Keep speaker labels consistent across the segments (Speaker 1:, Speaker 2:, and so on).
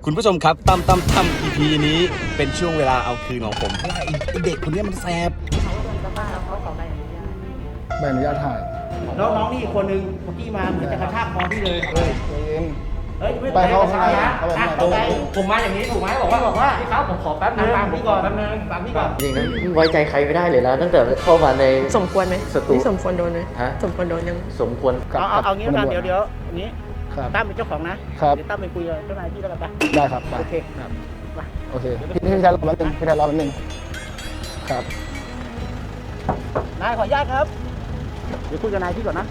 Speaker 1: คุณผู้ชมครับตั้ม EP นี้เป็นช่วงเวลาเอาคืนของผมเพราะว่าไอ้เด็กคนนี้มันแสบ
Speaker 2: เขาโดนกระบ้าแล้วเขาขอใบอนุญาต
Speaker 3: ใบอนุญาตถ่าย
Speaker 4: แล้วน้องนี่อีกคนนึงเมื่อกี้มาเหมือนจะกระชากคอพี่เลย
Speaker 3: เฮ้ยใจเย็น
Speaker 4: เฮ้ยไม่
Speaker 3: ไปเข้า
Speaker 4: ข้างใน
Speaker 3: เข้าไปข้างใน
Speaker 4: เข้าไป
Speaker 5: ผมมาอย่างนี้ถูกไหมบอกว่าพี่ครับผมขอแป๊บนึง
Speaker 4: ฟังพี่ก่อน
Speaker 5: แป๊บนึง
Speaker 4: ฟังพี่ก่อน
Speaker 5: จริงนะไว้ใจใครไม่ได้เลยนะตั้งแต่เข้ามาใน
Speaker 2: สมควรไหม
Speaker 5: สตู
Speaker 2: นี่สมควรโดนไหม
Speaker 5: ฮะ
Speaker 2: สมควรโดนยัง
Speaker 5: สมควร
Speaker 4: เอางี้แล้วกันเดี๋ยวอย่างนี้
Speaker 3: ครับ
Speaker 4: ตั้มเป็นเจ้าของนะครับ เดี๋ยวตั้มไปคุยกับเจ้านายพี่แล้วกันปะ
Speaker 3: ได้ครับไป
Speaker 4: โอเค
Speaker 3: ครับ
Speaker 4: มา
Speaker 3: โอเคพี่แทนรอแป๊บนึงพี่แทนรอแป๊บนึงครับ
Speaker 4: นายขออนุญาตครับ เดี๋ยวคุยกับนายพี่ก่อนนะ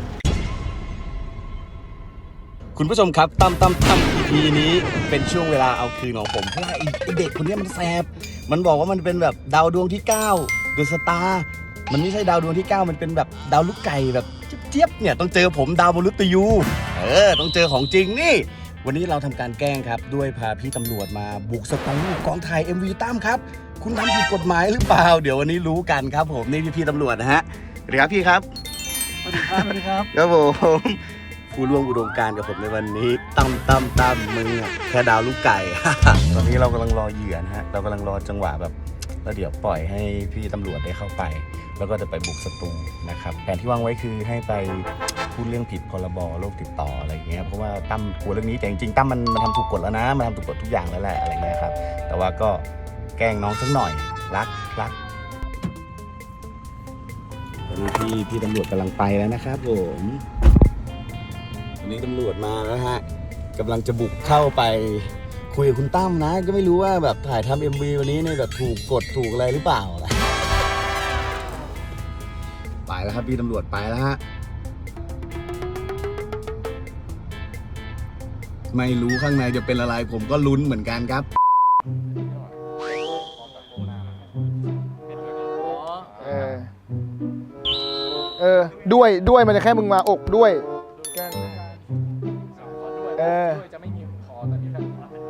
Speaker 1: คุณผู้ชมครับตั้ม EP นี้เป็นช่วงเวลาเอาคืนของผมเพราะว่าไอ้เด็กคนนี้มันแสบมันบอกว่ามันเป็นแบบดาวดวงที่9เดอะสตาร์มันไม่ใช่ดาวดวงที่ 9มันเป็นแบบดาวลูกไก่แบบเจี๊ยบๆเนี่ยต้องเจอผมดาวมฤตยูต้องเจอของจริงนี่วันนี้เราทำการแกล้งครับด้วยพาพี่ตำรวจมาบุกสตูกองถ่าย MV ตั้มครับคุณทำผิดกฎหมายหรือเปล่าเดี๋ยววันนี้รู้กันครับผมนี่พี่ตำรวจนะฮะสวัสดีครับพี่ครับ
Speaker 4: สวัสดีครับสวัสดีครับ
Speaker 1: ครับผมผู้ร่วมอุดมการณ์กับผมในวันนี้ตั้มมึงอะแค่ดาวลูกไก่ ตอนนี้เรากำลังรอเหยื่อนะฮะเรากำลังรอจังหวะแบบแล้วเดี๋ยวปล่อยให้พี่ตำรวจได้เข้าไป แล้วก็จะไปบุกสตูนะครับแผนที่วางไว้คือให้ไปพูดเรื่องผิดพรบโรคติดต่ออะไรอย่างเงี้ยเพราะว่าตั้มกลัวเรื่องนี้แต่จริงๆตั้มมันทำถูกกฎแล้วนะมันทำถูกกฎทุกอย่างแล้วแหละอะไรเงี้ยครับแต่ว่าก็แกล้งน้องสักหน่อยรักตอนนี้พี่ตำรวจกำลังไปแล้วนะครับผมวันนี้ตำรวจมาแล้วฮะกำลังจะบุกเข้าไปคุยกับคุณตั้มนะก็ไม่รู้ว่าแบบถ่ายทำ MV วันนี้เนี่ยแบบถูกกฎถูกอะไรหรือเปล่าไปแล้วครับพี่ตำรวจไปแล้วฮะไม่รู้ข้างในจะเป็นอะไรผมก็ลุ้นเหมือนกันครับ
Speaker 3: ด้วยมันจะแค่มึงมาอกด้วย
Speaker 5: จะไม่มีคอตอนนี้แบบ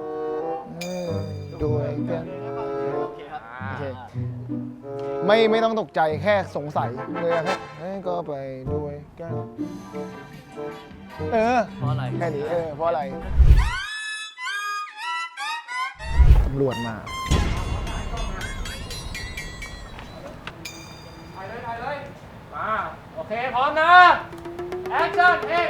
Speaker 3: ด้วยกันโอเคไม่ต้องตกใจแค่สงสัยเลยแค่ก็ไปด้วยกัน
Speaker 5: เพราะอะไร
Speaker 3: แค่นี้เพราะอะไรตำรวจมา
Speaker 5: ถ่ายเลยมาโอเคพร้อมนะแอคชั่นเอง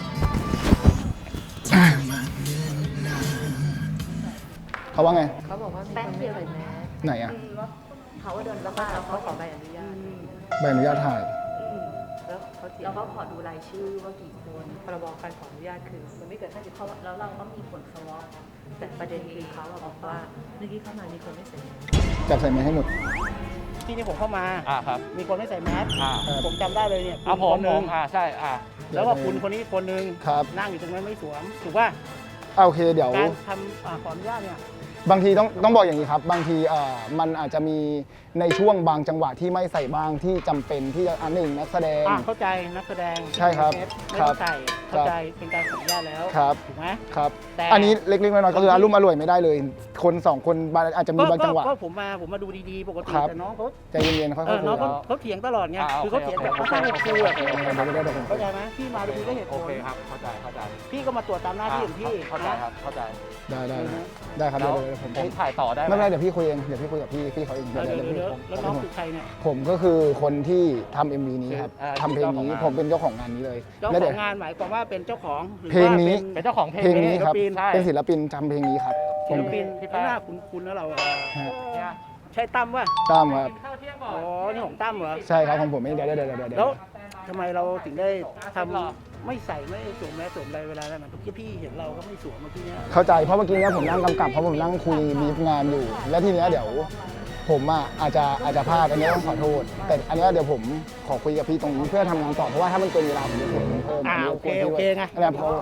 Speaker 3: เขาว่าไง
Speaker 2: เขาบอกว่าแป๊บเดียวเลยแม่
Speaker 3: ไหนอ่ะ
Speaker 2: เขาโดนกระบ้าแล้วเขาขอใบอนุญาต
Speaker 3: ใบอนุญาตถ่าย
Speaker 2: แล้วเขาขอดูรายชื่อว่ากี่คนพรบการขออนุญาตคือมันไม่เกิน50ข้อแล้วเราก็มีผลสวอปแต่ประเด็นคือเขาบอกว่าเมื่อกี้เข้ามามีคนไม่เสร็จ
Speaker 3: จับใส่ไม้ให้หมด
Speaker 4: ที่นี่ผมเข้ามา
Speaker 5: ครับ
Speaker 4: มีคนไม่ใส่แมส
Speaker 3: ครับ
Speaker 4: ผมจำได้เลยเนี่ย
Speaker 5: ผม
Speaker 4: คนหนึ่ง
Speaker 5: ใช่
Speaker 4: แล้วก็คุณคนนี้คนหนึ่ง
Speaker 3: ครับ
Speaker 4: นั่งอยู่ตรงนั้นไม่สวมถูกป่ะ
Speaker 3: โอเคเดี๋ยว
Speaker 4: การทำขออนุญาตเนี่ย
Speaker 3: บางทีต้องบอกอย่างนี้ครับ บางทีมันอาจจะมีในช่วงบางจังหวะที่ไม่ใส่บ้างที่จำเป็นที่จะหนึ่งนักแสดง
Speaker 4: เข้าใจนักแสดง
Speaker 3: ใช่ครับ
Speaker 4: ไม่ต้องใส่เข้าใจเป็นการขออนุญาตแล้ว
Speaker 3: ครับ
Speaker 4: ถูกไหม
Speaker 3: ครับ
Speaker 4: แต่
Speaker 3: อันนี้เล็กๆน้อยๆก็คืออารมณ์อร่วยไม่ได้เลย คนสองคนอาจจะมีบางจังหวะ
Speaker 4: ก็ผมมาดูดีๆปกติ
Speaker 3: ครับ
Speaker 4: แต่น้องเขา
Speaker 3: ใจเย็นๆค่อยๆคุย
Speaker 4: น้อง
Speaker 3: เอา
Speaker 4: เขาเถียงตลอดไงคือเขาเถียงแบบเขา
Speaker 5: โอเค
Speaker 4: สร้างครูอะ
Speaker 3: เดี๋ยว
Speaker 4: เข้าใจไหมพี่มาดูก็เหตุผ
Speaker 5: โอ
Speaker 4: ล
Speaker 5: เคครับเข้าใจ
Speaker 4: พี่ก็มาตรวจตามหน้าที่ของพี่
Speaker 5: เข้าใจครับเข้าใจ
Speaker 3: ได้ครับเดี๋ยวผม
Speaker 5: ผมถ่ายต่อได้ไหม
Speaker 3: ไม่เป็นไรเดี๋ยวพี่คุยเองเดี๋ยวพี่คุยกับพี่เขาเอง
Speaker 4: เดี๋ยวแล้วน้องคือใครเนี่ย
Speaker 3: ผมก็คือคนที่ทำ MV นี้ครับทำเพลงนี้ผมเป็นเจ้าของงานนี้เลย
Speaker 4: เจ้า
Speaker 3: แล้ว
Speaker 4: ข
Speaker 3: เดี๋
Speaker 4: อย ง
Speaker 3: ว
Speaker 4: งานหมายความว่าเป็นเจ้าของหรือ
Speaker 3: เพลงนี้
Speaker 4: ว่า
Speaker 5: เป็นเจ้าของเพล
Speaker 3: เพลงนี้ครับ
Speaker 4: ศิลปิน
Speaker 5: ใช่
Speaker 3: เป็นศิลปินทำเพลงนี้ครับผ
Speaker 4: ศิ
Speaker 3: ม
Speaker 4: ลปิน
Speaker 5: พี่
Speaker 4: ที่
Speaker 5: แป๊ะ
Speaker 4: หน้าคุ้นๆแล้วเราอะ
Speaker 3: ฮะ
Speaker 5: เนี่ย
Speaker 4: ใช่ตั้มวะ
Speaker 3: ตั้มครับ
Speaker 5: กินข้าวเที่ยงก่อ
Speaker 4: อ๋
Speaker 5: น
Speaker 4: อนี่ของตั้มเหรอ
Speaker 3: ใช่ครับของผมเองเดี๋ยว
Speaker 4: แล้วทำไมเราถึงได้ทำไม่ใส่ไม่สวมแมสสวมอะไรเวลานั้นเมื่อกี้พี่เห็นเราก็ไม่สวมเมื่อกี้เนี้ย
Speaker 3: เข้าใจเพราะเมื่อกี้เนี้ยผมนั่งกำกับเพราะผมนั่งคุยบีฟงานอยู่ แล้วทีเนี้ยเดี๋ยวผมอาจจะพลาดอันนี้ต้องขอโทษ แต่อันเนี้ยเดี๋ยวผมขอคุยกับพี่ตรงนี้เพื่อทำงานต่อเพราะว่าถ้ามันเกินเวลาผมจะเสียเงินเพิ่ม
Speaker 4: โอเคไง
Speaker 3: อันนี้เพราะ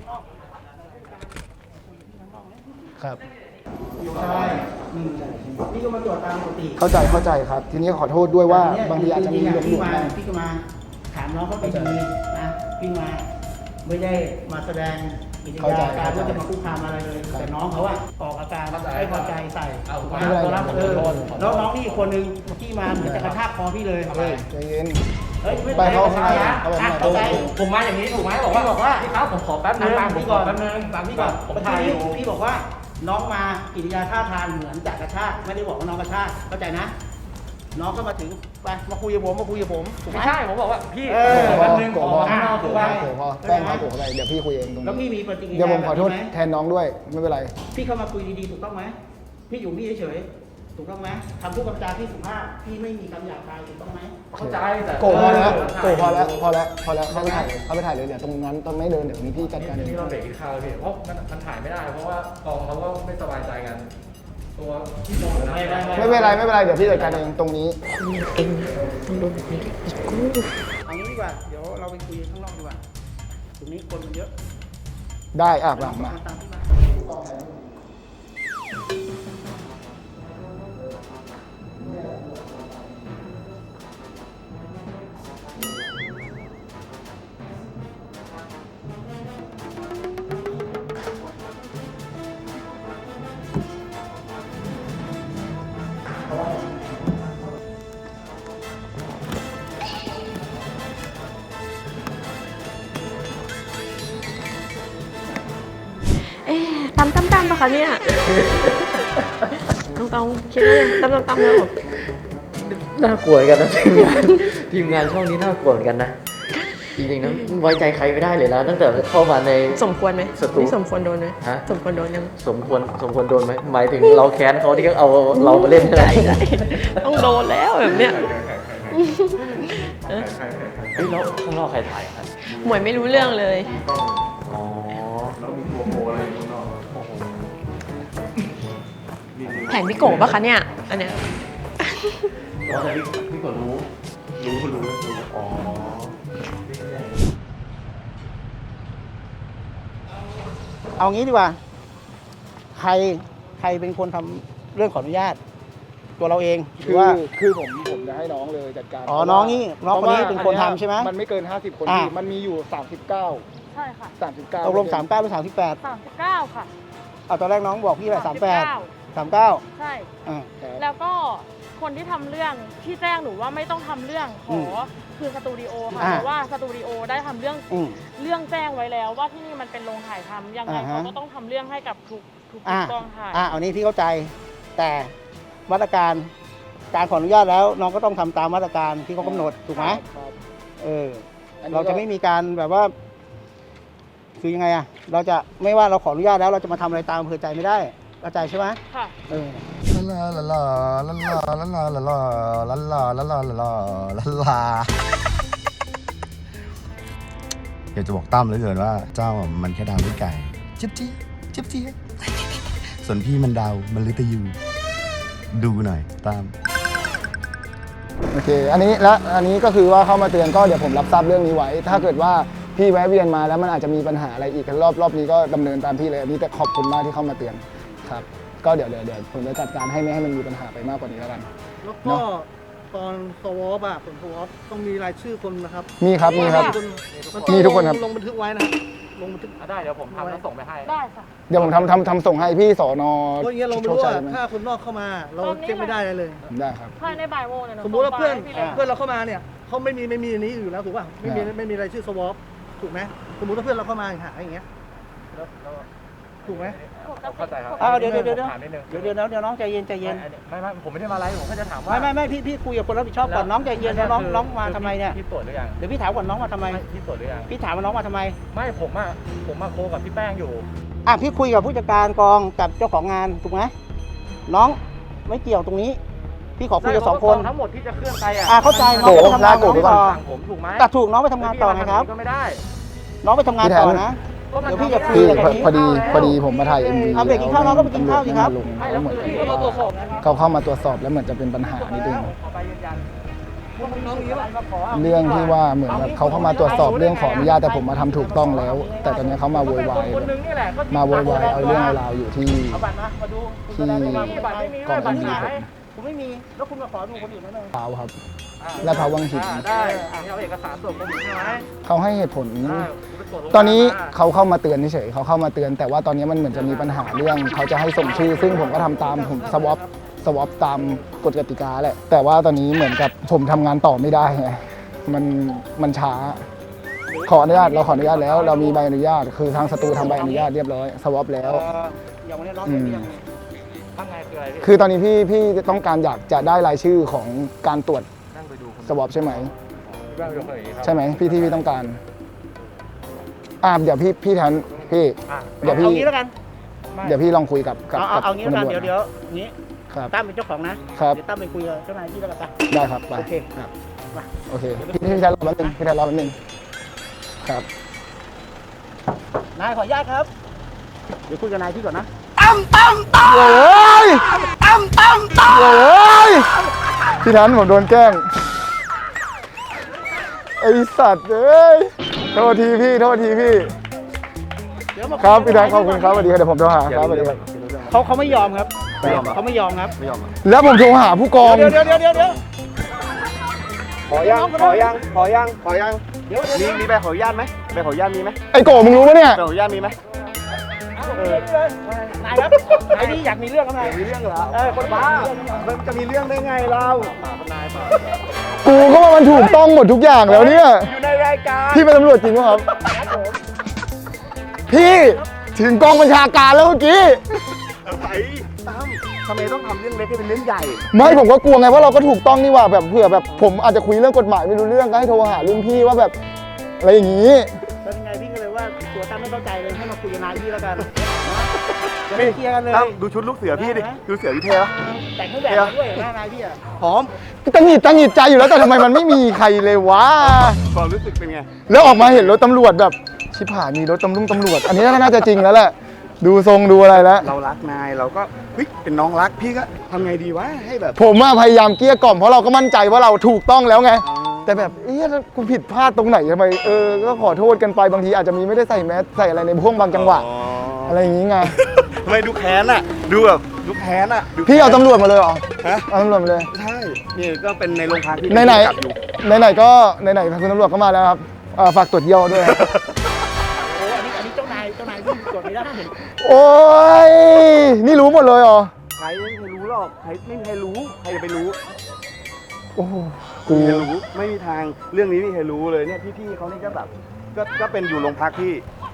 Speaker 3: ครับ
Speaker 4: ใช่พี่ก็มาตรวจตามปกติ
Speaker 3: เข้าใจครับ ทีนี้ขอโทษด้วยว่าบางทีอาจจะมีหลง
Speaker 4: พี่
Speaker 3: ๆ
Speaker 4: มา
Speaker 3: บ้าง
Speaker 4: พี่ก็มาถามน้องเขาไปดีนะพี่มาไม่ได้มาแสดงกิริยาการว่าจะมาคุกคามอะไรเลยแต่น้องเขาอะออกอาการไม่พอใจใส่แล้วน้องนี่อีกคนนึงเมื่อกี้มาเหมือนจะกระชากคอพี่เลย
Speaker 3: ใจเย็น
Speaker 4: เฮ้ย
Speaker 3: ไปเข้าข้างใน
Speaker 4: เข้าใจ
Speaker 5: ผมมาอย่างนี้ถูกไหมบอกว่าพี่ครับผมขอแป๊บนึง
Speaker 4: ฟังพี่ก่อน
Speaker 5: แป๊บนึง
Speaker 4: ฟังพี่ก่อน
Speaker 5: ผมถ่ายอยู่
Speaker 4: พี่บอกว่าน้องมากิริยาท่าทางเหมือนจะกระชากไม่ได้บอกว่าน้องกระชากเข้าใจนะ น้องก็มาถึงไปมาคุยกับผมถูกไหม
Speaker 5: ไม่ใช่ ผมบอกว่าพี่
Speaker 4: วั
Speaker 5: วัน น
Speaker 4: ห
Speaker 5: ห
Speaker 4: นึ่
Speaker 5: นึ่
Speaker 4: ง
Speaker 5: ง
Speaker 3: โก
Speaker 5: ขอ
Speaker 3: พอ
Speaker 5: ข้างนอก
Speaker 3: โก
Speaker 5: ถูก
Speaker 3: พ
Speaker 5: ไหม
Speaker 3: อโกพอแป้งครับโกอะไรเดี๋ยวพี่คุยเองตรง
Speaker 4: แล้วพี่
Speaker 3: นี้
Speaker 4: มีปฏิกิริยา
Speaker 3: เดี๋ยวผมขอโทษ
Speaker 4: แบบนี้ไหม
Speaker 3: แทนน้องด้วยไม่เป็นไร
Speaker 4: พี่เข้ามาคุยดีๆถูกต้องไหมพี่อยู่นี่เฉยๆถูกต้องไหมทำผู้กำกับพี่สุภาพพี่ไม่มีคำหยาบคายถูกต้องไหม
Speaker 5: เข้าใจแต่
Speaker 3: โกพอแล้วโกพอแล้วพอแล้วเข้าไปถ่ายเลยเดี๋ยวตรงนั้นต้องไม่เดินเดี๋ยวนี้พี่จัดการเอง
Speaker 5: นี่เราเบรกกินข้าวเลยพี่เพราะมันถ่ายไม่ได้ เพราะว่ากองเขาก็ไม่สบายใจกัน ตัวที่โดนนะ
Speaker 3: ไม่เป็นไรเดี๋ยวพี่จัดการเองตรงนี้
Speaker 4: เอางี้ดีกว่าเดี๋ยวเราไปคุยข้างนอกดีกว่าตรงนี้คนมันเยอะ
Speaker 3: ได้มา
Speaker 4: ตามที่มา
Speaker 6: ตำปะคะเนี่ยต้องคิดว่าตำแล้ว
Speaker 7: น่ากลัวเหมือนกันนะ ทีมงานช่องนี้น่ากลัวเหมือนกันนะ จริงๆนะไว้ใจใครไม่ได้เลยนะตั้งแต่เข้ามาใน
Speaker 6: สมควรไหม
Speaker 7: สตู
Speaker 6: นี่สมควรโดนไหม
Speaker 7: ฮะ
Speaker 6: สมควรโดนยัง
Speaker 7: สมควรโดนไหมหมายถึงเราแค้นเขาที่เขาเอาเรามาเล่นใช่ไหม
Speaker 6: ต้องโดนแล้วแบบเนี้ย
Speaker 7: เฮ้ยแล้วข้างนอกใครถ่ายครับ
Speaker 6: หมวยไม่รู้เรื่องเลย
Speaker 7: อ๋อ
Speaker 6: แผนพี่โกะปะคะเนี่ยอันเนี้ย
Speaker 7: แต่พี่กดรู้อ๋อ
Speaker 4: เอางี้ดีกว่า ใครเป็นคนทำเรื่องขออนุญาต ตัวเราเองหรือว่า
Speaker 3: คือผมจะให้น้องเลยจัดการ
Speaker 4: อ๋อน้องนี่น้องคนนี้เป็นคนทำใช่ไหม
Speaker 3: มันไม่เกิน50 คน
Speaker 4: อ่า
Speaker 3: พี่มันมีอยู่39
Speaker 8: ใช่ค่ะ
Speaker 3: 39
Speaker 4: ตกลง39หรือ38
Speaker 8: 39 ค่ะ
Speaker 4: เอาตอนแรกน้องบอกพี่อะไร38 39
Speaker 8: ใช่
Speaker 4: อ่า
Speaker 8: แล้วก็คนที่ทำเรื่องที่แจ้งหนูว่าไม่ต้องทำเรื่องขอคือสตูดิโอค่ะ
Speaker 4: อ่า
Speaker 8: เพราะว่าสตูดิโอได้ทำเรื่อง
Speaker 4: อืม
Speaker 8: เรื่องแจ้งไว้แล้วว่าที่นี่มันเป็นโรงถ่ายทำยังไง
Speaker 4: อ่าฮะ
Speaker 8: เขาก็ต้องทำเรื่องให้กับทุก
Speaker 4: อ่า
Speaker 8: กองถ่าย
Speaker 4: อันนี้พี่เข้าใจแต่มาตรการการขออนุญาตแล้ว น้องก็ต้องทำตามมาตรการที่เขากำหนดถูกไหม
Speaker 3: ครับ
Speaker 4: เออ
Speaker 3: อันนี้
Speaker 4: เราจะไม่มีการแบบว่า คือยังไงอะเราจะไม่ว่าเราขออนุญาตแล้ว เราจะมาทำอะไรตามอำเภอใจไม่ได้เข้าใจใช่ไหม
Speaker 8: ค่ะ
Speaker 4: เออ
Speaker 1: ลาลาลาลาลาลาลาลาลาลาลาลาลาลาลาอยากจะบอกตั้มเหลือเกินว่าเจ้ามันแค่ดาวด้วยไก่จิ๊บจิ๊บจิ๊บจิ๊บส่วนพี่มันดาวมันลิตยูดูหน่อยตั้ม
Speaker 3: โอเค อันนี้ก็คือว่าเข้ามาเตือนก็เดี๋ยวผมรับทราบเรื่องนี้ไว้ ถ้าเกิดว่าพี่แวะเวียนมาแล้วมันอาจจะมีปัญหาอะไรอีกรอบนี้ก็ดำเนินตามพี่เลยอันนี้แต่ขอบคุณมากที่เข้ามาเตือนครับ ก็เดี๋ยวผมจะจัดการให้ไม่ให้มันมีปัญหาไปมากกว่านี้แล้วกัน
Speaker 9: แล้วก็ตอนสวอปผลสวอปต้องมีรายชื่อคนนะครับ
Speaker 3: มีครับ
Speaker 9: มันต้อง
Speaker 3: มีทุกคนครับ
Speaker 9: ลงบันทึกไว้นะครับลงบันทึก
Speaker 5: ได้เดี๋ยวผมทำแล้วส่งไปให้
Speaker 8: ได้ค่ะ
Speaker 3: เดี๋ยวผมทำส่งให้พี่สอนอ
Speaker 9: เพราะอย่างเงี้ยเราไม่
Speaker 3: โชค
Speaker 9: รู้
Speaker 3: ชั
Speaker 9: ว่าย
Speaker 3: ไหม
Speaker 9: ถ้าคนนอกเข้ามา เรา
Speaker 8: ตอนนี้
Speaker 9: เช็คไม่ได้เลย
Speaker 3: ได้ครับ
Speaker 8: ภายในบ่ายโมงเนี่ยหนู
Speaker 9: สมมุติว่าเพื่อน
Speaker 8: ส่งไฟล์ให้พี่เลย
Speaker 9: เพื่อนเราเข้ามาเนี่ยเขาไม่มีอันนี้อยู่แล้วถูกป่ะไม่มีรายชื่อสวอปถูกไหมสมมุติว่าเพื่อนเราเข้ามาหาอย่างเงี้ยถูกไหม
Speaker 5: เข้าใจครับ
Speaker 4: เดี๋ยว
Speaker 5: ถามนิดนึง
Speaker 4: เดี๋ยวน้องใจเย็น
Speaker 5: ไม่ผมไม่ได้มาไลฟ์ผมแค่จะถามว่า
Speaker 4: ไม่พี่คุยกับคนรับผิดชอบก่อนน้องใจเย็นแล้วน้องมาทำไมเนี่ย
Speaker 5: พี่ตรวจหรือยัง
Speaker 4: เดี๋ยวพี่ถามก่อนน้องมาทำไม
Speaker 5: พี่ตรวจหรือยัง
Speaker 4: พี่ถามว่าน้องมาทำไม
Speaker 5: ไม่ผมมาโคกับพี่แป้งอยู่
Speaker 4: พี่คุยกับผู้จัดการกองกับเจ้าของงานถูกไหมน้องไม่เกี่ยวตรงนี้ พี่ขอคุยกับ2 คน
Speaker 5: ทั้งหมดที่จะเคลื่อนไปอ่ะ
Speaker 4: เข้าใจน้องไปทำงานน้องต่อ
Speaker 5: สั่งผมถูกไหม
Speaker 4: แต่ถูกน้องไปทำงานต่อไงครับ
Speaker 5: ก็ไม่ได้
Speaker 4: น้องไปทำงานต่อนะ เดี๋ยวพี่จะคุย
Speaker 3: พี่
Speaker 4: กับคนนี้
Speaker 3: พอดีผมมาถ่าย MV
Speaker 4: เอาเบรกกินข้าวน้องก็ไปกินข้าวสิครับ
Speaker 3: แล้วเหมือนเขาเข้ามาตรวจสอบแล้วเหมือนจะเป็นปัญหานิดนึง
Speaker 5: ขอใบยืนยัน
Speaker 3: เรื่องที่ว่าเหมือนแบบเขาเข้ามาตรวจสอบเรื่องขออนุญาตแต่ผมมาทำถูกต้องแล้ว แต่ตอนนี้เขามาโวยวาย
Speaker 5: คนนึงนี่แหละ
Speaker 3: มาโวยวายเอาเรื่องเอาราวอยู่ที่
Speaker 4: เอาบัตรมาดู
Speaker 3: ที่
Speaker 5: บัตรไม่มี
Speaker 3: กอง
Speaker 5: บัตร
Speaker 3: MV
Speaker 5: หาย
Speaker 4: ผมไม่มีแล้วคุณมาขอดูคนอื่นได้ไหม
Speaker 3: เปล่าครับ และพาวังหิน
Speaker 5: ได้เอาเอกสารส่งผมใช่ไหม
Speaker 3: เขาให้เหตุผล ตอนนี้เขาเข้ามาเตือนเฉยๆเขาเข้ามาเตือน แต่ว่าตอนนี้มันเหมือนจะมีปัญหาเรื่องเขาจะให้ส่งชื่อ ซึ่งผมก็ทำตามผมสวอปตามกฎกติกาแหละแต่ว่าตอนนี้เหมือนกับผมทำงานต่อไม่ได้ไงมันช้า ขออนุญาตเราขออนุญาตแล้ว เรามีใบอนุญาตคือทางสตูทำใบอนุญาตเรียบร้อยสวอปแล้ว
Speaker 4: อย่างวันนี้น้องเห็นหรือยังทำไงคืออะไรพี่
Speaker 3: คือตอนนี้พี่ต้องการอยากจะได้รายชื่อของการตรวจ
Speaker 5: นั่งไปดูคน
Speaker 3: สวอปใช่ไหม
Speaker 5: นั่งไปดูคนอย่างนี้ครับ
Speaker 3: ใช่ไหมพี่ต้องการเดี๋ยวพี่แทนพี่
Speaker 4: อ่ะ
Speaker 3: เดี๋ยวพี่
Speaker 4: เอางี้แล้วกัน
Speaker 3: เดี๋ยวพี่ลองคุยกับ
Speaker 4: เอางี้แล้วกัน
Speaker 3: คุณตำรจ
Speaker 4: เดี๋ยวนี้
Speaker 3: ครับ
Speaker 4: ตั้มเป็นเจ้าของนะครับ เดี๋ยวตั้มไปคุยกับเจ้านายที่แล้วกันไป
Speaker 3: ได้ครับไป
Speaker 4: โอเค
Speaker 3: ครับ
Speaker 4: มา
Speaker 3: โอเคพี่แทนรอแป๊บนึงพี่แทนรอแป๊บนึงครับ
Speaker 4: นายขออนุญาตครับเดี๋ยวคุยกับนายพี่ก่อนนะ
Speaker 3: โอ้ยโอ้ยพี่แทนผมโดนแกล้งไอสัตว์เอ้ยโทษทีพี่
Speaker 4: เดี๋ยวมา
Speaker 3: ครับพี่แทนขอบคุณครับสวัสดีครับเดี๋ยวผมโทรหาครับสวัสดีครับ
Speaker 4: เขาไม่ยอมครับเขาไม่ยอมครับ
Speaker 3: แล้วผมโทรหาผู้กอง
Speaker 4: เดี๋ยว
Speaker 1: ขอยัง
Speaker 4: เดี๋ยว
Speaker 1: มีใบขออนุญาตไหมใบขออนุญาตมีไหม
Speaker 3: ไอโกมึงรู้ปะเนี่ย
Speaker 1: ใบขออนุญาตมีไหม
Speaker 4: นายครับนายนี่อยากมีเรื่องกับนาย
Speaker 1: มีเรื่องเหรอ
Speaker 4: คนบ้า
Speaker 1: มันจะมีเรื่องได้ไงเรา
Speaker 3: กูก็ว่ามันถูกต้องหมดทุกอย่างแล้วเนี่ย
Speaker 1: อยู่ในรายการ
Speaker 3: พี่เป็นตำรวจจริงป่ะครับ พี่ถึงกองบัญชาการแล้วเมื่อกี้
Speaker 1: อะไรตั้มทำไมต้องทำเรื่องเล็กให้เป็นเรื่องใหญ่
Speaker 3: ไม่ผมก็กลัวไงว่าเราก็ถูกต้องนี่หว่าแบบเผื่อแบบผมอาจจะคุยเรื่องกฎหมายไม่รู้เรื่องก็ให้โทรหารุ่นพี่ว่าแบบอะไรอย่างนี้
Speaker 4: เป็นไงพี่ก็เลยว่าตัวตั้มไม่เข้าใจเลยให้มาคุยกับนายพี่แล้วกันจะได้เคลียร์กันเลย
Speaker 1: ตั้มดูชุดลูกเสือพี่ดิดูเสือพี่เท่ปะ
Speaker 4: แต่งเครื่องแบบมาด้วยเหรอนายพี่อ่ะ
Speaker 1: หอม
Speaker 3: ตังหงิดใจอยู่แล้วแต่ทำไมมันไม่มีใครเลยวะ
Speaker 1: ความรู้สึกเป็นไง
Speaker 3: แล้วออกมาเห็นรถตำรวจแบบชิบหายมีรถตำรวจ อันนี้น่าจะจริงแล้วแหละดูทรงดูอะไรแล้ว
Speaker 1: เรารักนายเราก็เฮ้ยเป็นน้องรักพี่ก็ทำไงดีวะให้แบบ
Speaker 3: ผมพยายามเกลี้ยกล่อมเพราะเราก็มั่นใจว่าเราถูกต้องแล้วไง แต่แบบกูผิดพลาดตรงไหนทำไมก็ขอโทษกันไปบางทีอาจจะมีไม่ได้ใส่แมสใส่อะไรในพวกบางจังหวะอะไรอย่างงี้ไง
Speaker 1: ทำไมดูแค้นอ่ะดูแบบดูแค้นอ่ะดู
Speaker 3: พี่เอาตำรวจมาเลยเหรอ
Speaker 1: ฮะ
Speaker 3: เอาตำรวจมาเลย
Speaker 1: ใช่นี่ก็เป็นในโรงพักที่
Speaker 3: ไหน
Speaker 1: จับอยู่
Speaker 3: ไหนก็ไหนคุณตำรวจก็มาแล้วครับฝากตรวจเยี่ยวด้วย
Speaker 4: โอ้อันนี้เจ้านายพี่กดไม่ได้
Speaker 3: โอ้ยนี่รู้หมดเลยเหรอ
Speaker 1: ใครไม่มีใครรู้หรอกใครไม่มีใครรู้ใครจะไปรู้
Speaker 3: โอ้โห
Speaker 1: ไม่มีใครรู้ไม่มีทางเรื่องนี้ไม่มีใครรู้เลยเนี่ยพี่ๆเขานี่ก็แบบก็เป็นอยู่โรงพักที่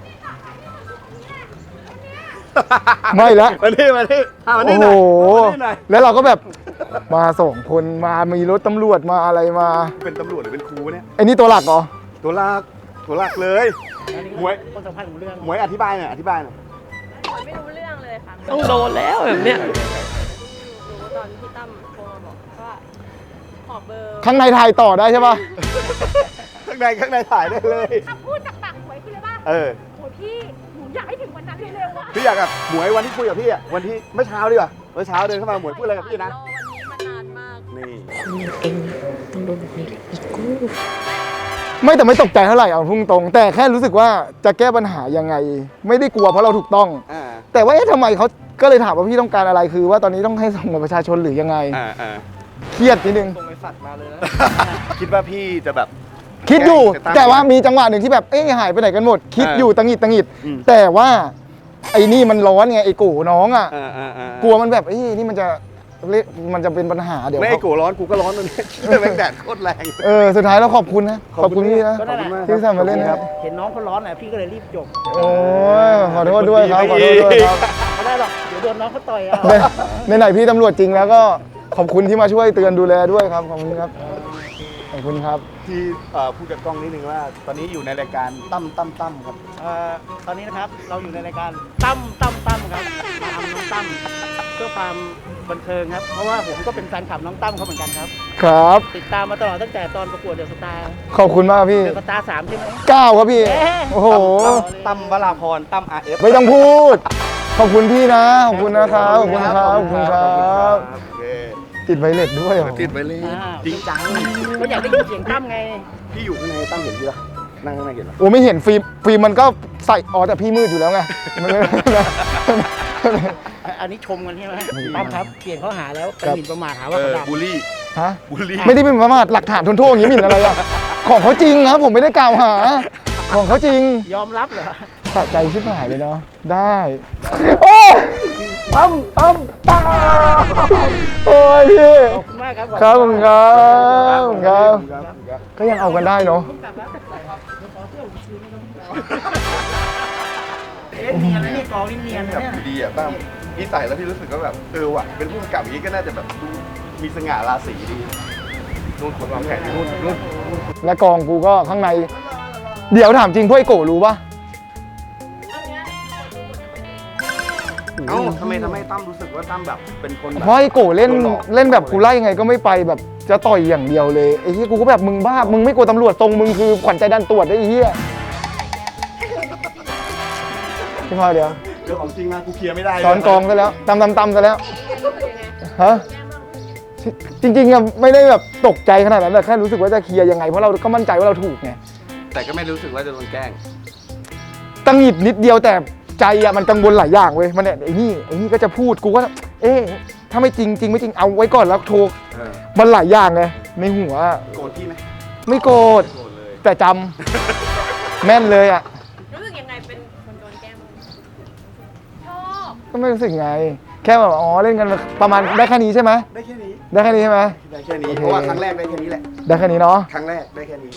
Speaker 3: ไม่ละ
Speaker 1: มาดิมาดิมาดิ
Speaker 3: โอ้
Speaker 1: ห
Speaker 3: โห
Speaker 1: น่อยมาดิหน่อย
Speaker 3: แล้วเราก็แบบมา2 คนมามีรถตำรวจมาอะไรมา
Speaker 1: เป็นตำรวจหรือเป็นครูเนี่ย
Speaker 3: ไอ้นี่ตัวหลักเหรอ
Speaker 1: ตัวหลักเลย
Speaker 4: อันนี้
Speaker 1: หมวย
Speaker 4: คนสำคัญของเรื่อง
Speaker 1: หมวยอธิบายหน่อยอธิบายหน่อย
Speaker 6: ไม่รู้เรื่องเลยค่ะ ต้องโดนแล้วแบบเนี้ย
Speaker 8: รู้ตอนที่ตั้มโทรมาบอกว่าขอเบอร์
Speaker 3: ข้างในถ่ายต่อได้ใช่ปะ
Speaker 1: ข้างในถ่ายได้เลย
Speaker 8: คำพูดจากปากหวยคือเลยว่า
Speaker 1: เออ
Speaker 8: โอ้ยพี่หนูอยากให้ถึงวันนั้นเร็วๆว่ะ
Speaker 1: พี่อยากกับหมวยวันที่คุยกับพี่อะวันที่เมื่อเช้าดีกว่าเมื่อเช้าเดินเข้ามาหมวยพูดอะไรกับพี่นะ
Speaker 8: รอวันนี้มานานมาก
Speaker 1: นี่
Speaker 6: เองต้องโดนแบบนี้อีกกู
Speaker 3: ไม่แต่ไม่ตกใจเท่าไหร่เอาพุ่งตรงแต่แค่รู้สึกว่าจะแก้ปัญหายังไง ไม่ได้กลัวเพราะเราถูกต้อง
Speaker 1: อ่า
Speaker 3: แต่ว่าทำไมเขาก็เลยถามว่าพี่ต้องการอะไรคือ ว่าตอนนี้ต้องให้ส่งบัตรประชาชนหรือยังไง
Speaker 1: อ่า
Speaker 3: เครียดนิดนึง
Speaker 5: ส่งไอสัตว์มาเลยนะ
Speaker 1: คิดว่าพี่จะแบบ
Speaker 3: คิดอยู่
Speaker 1: จะตั้ง
Speaker 3: แต่ว่ามีจังหวะหนึ่งที่แบบหายไปไหนกันหมด คิดอยู่ตังหงิด
Speaker 1: อืม
Speaker 3: แต่ว่าไอ้นี่มันร้อนไงไอ้กูน้องอ่ะ
Speaker 1: กลั
Speaker 3: กลั
Speaker 1: ว
Speaker 3: วมันแบบนี่มันจะเป็นปัญหาเดี๋ยว
Speaker 1: ไม่ไอ้โกร้อนกูก็ร้อนตรงนี้แม่งแดดโคตรแรง
Speaker 3: สุดท้ายเราขอบคุณนะขอบคุณพี่นะ
Speaker 4: ก็นั่นแหละ
Speaker 3: ที่ทำมาเล่นนะครับ
Speaker 4: เห็นน้องเขาร้อนแหละพี่ก็เลยรีบจบ
Speaker 3: โอ้ยขอโทษด้วยครับขอโทษด้วยครับ
Speaker 4: ไม่ได้หรอกเดี๋ยวโดนน้องเขาต่อยเอา
Speaker 3: ในไหนพี่ตำรวจจริงแล้วก็ขอบคุณที่มาช่วยเตือนดูแลด้วยครับขอบคุณครับขอบคุณครับ
Speaker 1: ที่พูดกับกล้องนิดนึงว่า ตอนนี้อยู่ในรายการตั้มครับ
Speaker 4: ตอนนี้นะครับเราอยู่ในรายการตั้มครับมาทำน้องตั้มเพื่อความบันเทิงครับเพราะว่าผมก็เป็นแฟนคลับน้องตั้มเขาเหมือนกันครับ
Speaker 3: ครับ
Speaker 4: ติดตามมาตลอดตั้งแต่ตอนประกวดเดอะสตาร์
Speaker 3: ขอบคุณมากพี่
Speaker 4: เดอะสตาร์3ใช่ไหม
Speaker 3: 9ครับพี่
Speaker 4: เอ๊ะ
Speaker 3: โอ้โห
Speaker 1: ตั้มวราพรตั้ม RF
Speaker 3: ไม่ต้องพูด ขอบคุณพี่นะ ขอบคุณนะครับ ขอบคุณครับ ขอบคุณครับ
Speaker 1: โอเค
Speaker 3: ติดไวเลสด้วยเหรอ
Speaker 1: ติดไปเลยจริงจัง
Speaker 4: ก็อยากได้ยินเสียงตั้มไง
Speaker 1: พี่อยู่ข้างในตั้มเห็นพี่ปะนั่งข้างในเห็นปะ
Speaker 3: โอ้ไม่เห็นฟิล์มมันก็ใส่แต่พี่มืดอยู่แล้วไงมันไม่
Speaker 4: อันนี้ชมกันใช่ไหมตั้มครับเปลี่ยนข้อหาแล้วเป็นหมิ่นประมาทหาว่าเขาด่า
Speaker 1: บูลลี่
Speaker 3: ฮะ
Speaker 1: บูลลี่
Speaker 3: ไม่ได้เป็นประมาทหลักฐานทนโทษอย่างนี้หมิ่นอะไรอะของเขาจริงครับผมไม่ได้กล่าวหา ของเขาจริง
Speaker 4: ยอมรับเหรอ
Speaker 3: สะใจชิบหายเลยเนาะได้โอ้ตั้มโอ้ยพี่
Speaker 4: ขอบคุณมากครับ
Speaker 3: ครับผมครับผมครับ ก็ยังเอากันได้เนาะ
Speaker 4: เล่นเนียนนะนี่กองเล่นเนียนนะเนี่ย
Speaker 1: ดีอ่ะตั้มพี่ใส่แล้วพี่รู้สึกว่าแบบว่ะเป็นผู้กำกับอย่างนี้ก็น่าจะแบบดูมีสง่าราศีดีนู่นคนวางแผนนู่น
Speaker 3: และกองกูก็ข้างใน เดี๋ยวถามจริงพวกไอ้โกรู้ปะ
Speaker 1: เอ้าทำไมตั้มรู้สึกว่าตั้มแบบเป็นคนแบบ
Speaker 3: เพราะไอ้โกเล่นแบบกูไล่ยังไงก็ไม่ไปแบบจะต่อยอย่างเดียวเลยไอ้ที่กูก็แบบมึงบ้ามึงไม่กลัวตำรวจตรงมึงคือขวัญใจดันตรวจได้ไอ้เหี้ยพี่พอเดี๋ยว
Speaker 1: เรื่องของจริงมากูเคลียร์ไม่ได้
Speaker 3: ซ้อนกองซะแล้วตำซะแล้วฮะจริงๆอะไม่ได้แบบตกใจขนาดนั้นแต่แค่รู้สึกว่าจะเคลียร์ยังไงเพราะเราก็มั่นใจว่าเราถูกไง
Speaker 1: แต่ก็ไม่รู้สึกว่าจะโดนแกล้ง
Speaker 3: ตังหงิดนิดเดียวแต่ใจอะมันกังวลหลายอย่างเว้ยมันเนี่ยไอ้นี่ก็จะพูดกูก็ถ้าไม่จริงไม่จริงเอาไว้ก่อนแล้วโทรมันหลายอย่างไงในหัว
Speaker 1: โกรธพี่ไหม
Speaker 3: ไม่โกรธ
Speaker 1: โกรธเลย
Speaker 3: แต่จำ แม่นเลยอะ
Speaker 8: รู้สึกยังไงเป็นคนโดนแกล้งชอบ
Speaker 3: ก็ไม่รู้สึกไง แค่แบบเล่นกันประมาณได้แค่นี้ใช่ไหม
Speaker 1: ได้แค่นี้
Speaker 3: ได้แค่นี้ใช่ไหม
Speaker 1: ได้แค่นี้
Speaker 3: โอเค
Speaker 1: เพราะว่าครั้งแรกได้แค่นี้แหละ
Speaker 3: ได้แค่นี้เนาะ
Speaker 1: ครั้งแรกได้แค่นี้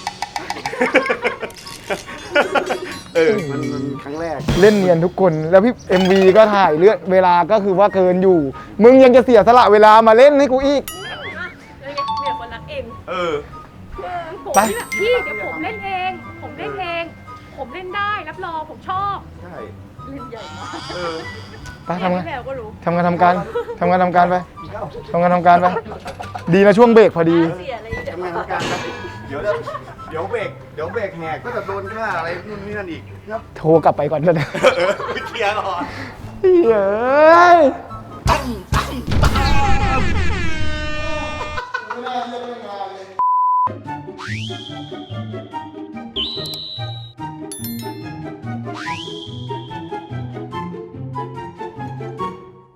Speaker 1: มันครั้งแรก
Speaker 3: เล่นเนียนทุกคนแล้วพี่ MV ก็ถ่ายเลือดเวลาก็คือว่าเกินอยู่ มึงยังจะเสียสละเวลามาเล่นให้กูอีก
Speaker 8: เลยไงมีแต่คนรักเอง ผม
Speaker 3: ไป
Speaker 8: ที่แบบพี่เดี๋ยวผมเล่นเอง ผมเล่นเอง ผมเล่นได้รับรองผมชอบ
Speaker 1: ใช่
Speaker 8: เล่นใหญ่มาก
Speaker 3: ไปทำงาน
Speaker 8: พี่แมวก็รู้
Speaker 3: ทำการไปทำงานไป ดีนะช่วงเบรกพอดี
Speaker 8: เสียอะไรเดี๋ยว
Speaker 1: ทำงานการไปเดี๋ยวเบรกแหกก็จะโดนฆ่าอะไรนู่นนี่นั่นอีกครับ
Speaker 3: โทรกลับไปก่อนเลย
Speaker 1: เคลียร์ก่อน
Speaker 3: เฮ้ย